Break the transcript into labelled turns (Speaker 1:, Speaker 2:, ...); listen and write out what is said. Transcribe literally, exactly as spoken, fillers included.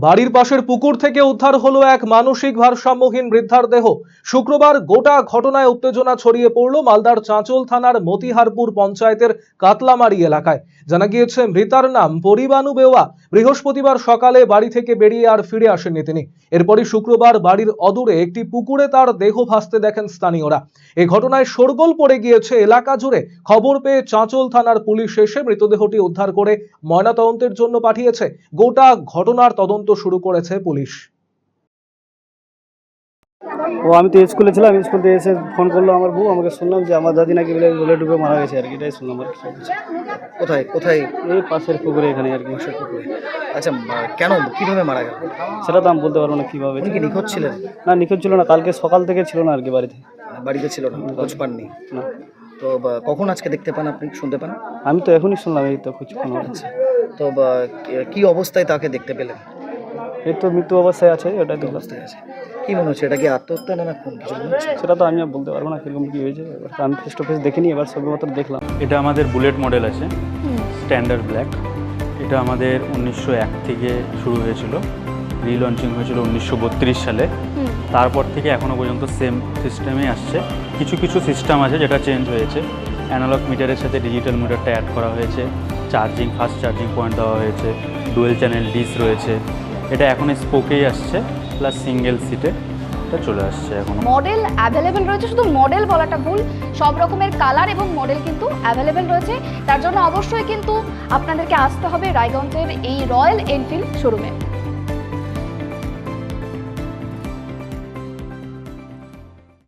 Speaker 1: বাড়ির পাশের পুকুর থেকে উদ্ধার হলো এক মানসিক ভারসাম্যহীন বৃদ্ধার দেহ। শুক্রবার গোটা ঘটনায় উত্তেজনা ছড়িয়ে পড়ল মালদার চাঁচল থানার মতিহারপুর পঞ্চায়েতের কাতলামারি এলাকায়। জানা গিয়েছে মৃতার নাম পরিবানু বেওয়া। বৃহস্পতিবার সকালে বাড়ি থেকে বেরিয়ে আর ফিরে আসেননি তিনি। এরপরই শুক্রবার বাড়ির অদূরে একটি পুকুরে তার দেহ ভাসতে দেখেন স্থানীয়রা। এই ঘটনায় শোরগোল পড়ে গিয়েছে এলাকা জুড়ে। খবর পেয়ে চাঁচল থানার পুলিশ এসে মৃতদেহটি উদ্ধার করে ময়নাতদন্তের জন্য পাঠিয়েছে। গোটা ঘটনার তদন্ত শুরু করেছে পুলিশ।
Speaker 2: ও আমি তো স্কুলে ছিলাম, স্কুল থেকে এসে ফোন করলো আমার বউ, আমাকে শুনলাম যে আমার দাদি নাকি বলে জলে ডুবে মারা গেছে আর কি, এটাই শুনলাম আর কি।
Speaker 3: কোথায় কোথায়?
Speaker 2: এই পাশের পুকুরে এখানে আর কি।
Speaker 3: পাশের পুকুরে। আচ্ছা, মা- কেন কিভাবে মারা গেল?
Speaker 2: সেটা তো আমি বলতে পারবো না কিভাবে।
Speaker 3: উনি কি নিখোঁজ ছিলেন?
Speaker 2: না, নিখোঁজ ছিল না, কালকে সকাল থেকে ছিল না আর কি বাড়িতে।
Speaker 3: বাড়িতে ছিল না, খোঁজ পাননি?
Speaker 2: না,
Speaker 3: তো বা- কখন আজকে দেখতে পান, আপনি শুনতে পান?
Speaker 2: আমি তো এখনই শুনলাম, এই তো কিছুক্ষণ হচ্ছে।
Speaker 3: তো বা- কি অবস্থায় তাকে দেখতে পেলেন?
Speaker 2: এই তো মৃত্যু অবস্থায় আছে, ওটাই দেখলাম।
Speaker 3: অবস্থায় আছে। কি মনে হচ্ছে, এটা কি আত্মহত্যা না না খুন, কিছু মনে হচ্ছে?
Speaker 2: সেটা তো আমি আর বলতে পারবো না কিরকম কি হয়েছে। এবার তো আমি ফেস টু ফেস দেখিনি, এবার সবই মাত্র দেখলাম।
Speaker 4: এটা আমাদের বুলেট মডেল আছে, স্ট্যান্ডার্ড ব্ল্যাক। এটা আমাদের উনিশশো এক থেকে শুরু হয়েছিল, রিলঞ্চিং হয়েছিল উনিশশো বত্রিশ সালে। তারপর থেকে এখনও পর্যন্ত সেম সিস্টেমে আসছে। কিছু কিছু সিস্টেম আছে যেটা চেঞ্জ হয়েছে। অ্যানালগ মিটারের সাথে ডিজিটাল মিটারটা অ্যাড করা হয়েছে, চার্জিং ফাস্ট চার্জিং পয়েন্ট দেওয়া হয়েছে, ডুয়েল চ্যানেল ডিস রয়েছে। এটা এখন স্পোকেই আসছে, প্লাস সিঙ্গেল সিটে এটা চলে আসছে এখন।
Speaker 5: মডেল অ্যাভেলেবেল রয়েছে, শুধু মডেল বলাটা ভুল, সব রকমের কালার এবং মডেল কিন্তু অ্যাভেলেবেল রয়েছে। তার জন্য অবশ্যই কিন্তু আপনাদেরকে আসতে হবে রায়গঞ্জের এই রয়্যাল এনফিল্ড শোরুমে।